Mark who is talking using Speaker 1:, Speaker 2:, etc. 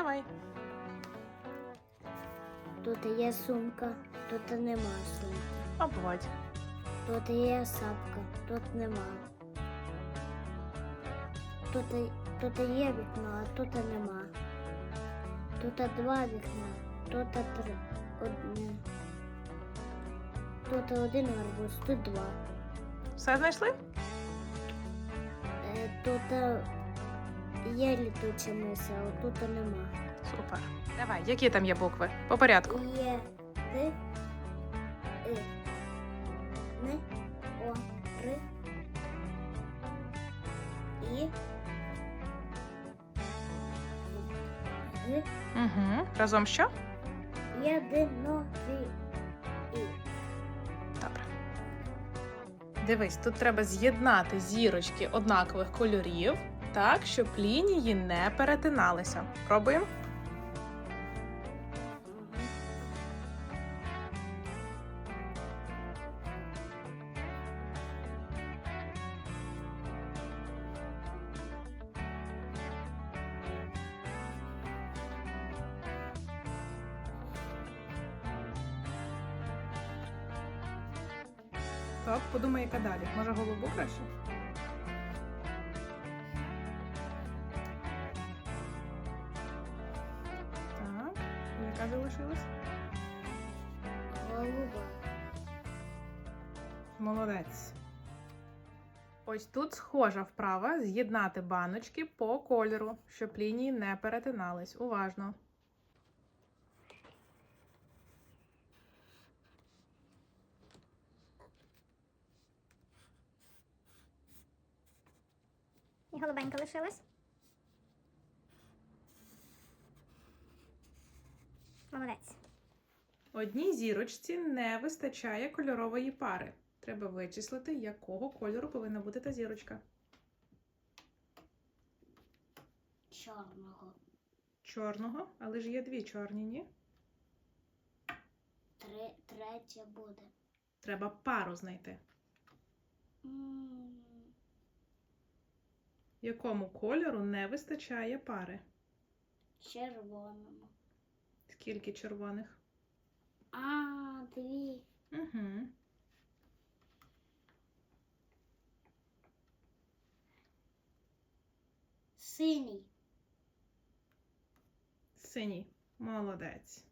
Speaker 1: Давай.
Speaker 2: Тут є сумка, тут нема сумки.
Speaker 1: Обводь.
Speaker 2: Тут є сапка, тут нема. Тут є вікно, а тут нема. Тут два вікна, тут три. Одне. Тут один арбуз, тут два.
Speaker 1: Все знайшли?
Speaker 2: Тут є літуча миса, а тут нема.
Speaker 1: Супер. Давай, які там є букви? По порядку.
Speaker 2: Є Р, И, Н, О, Р, І, Г,
Speaker 1: Угу. Разом що?
Speaker 2: єдинові.
Speaker 1: Добре. Дивись, тут треба з'єднати зірочки однакових кольорів, так, щоб лінії не перетиналися. Пробуємо? Так, подумай, яка далі. Може, голубу краще? Так, яка залишилась?
Speaker 2: Голуба.
Speaker 1: Молодець. Ось тут схожа вправа з'єднати баночки по кольору, щоб лінії не перетинались. Уважно.
Speaker 3: І голубенька лишилась. Молодець.
Speaker 1: Одній зірочці не вистачає кольорової пари. Треба вичислити, якого кольору повинна бути та зірочка.
Speaker 2: Чорного.
Speaker 1: Чорного, але ж є дві чорні, ні?
Speaker 2: Третя буде.
Speaker 1: Треба пару знайти. Якому кольору не вистачає пари?
Speaker 2: Червоному.
Speaker 1: Скільки червоних?
Speaker 2: Дві.
Speaker 1: Угу.
Speaker 2: Синій.
Speaker 1: Синій. Молодець.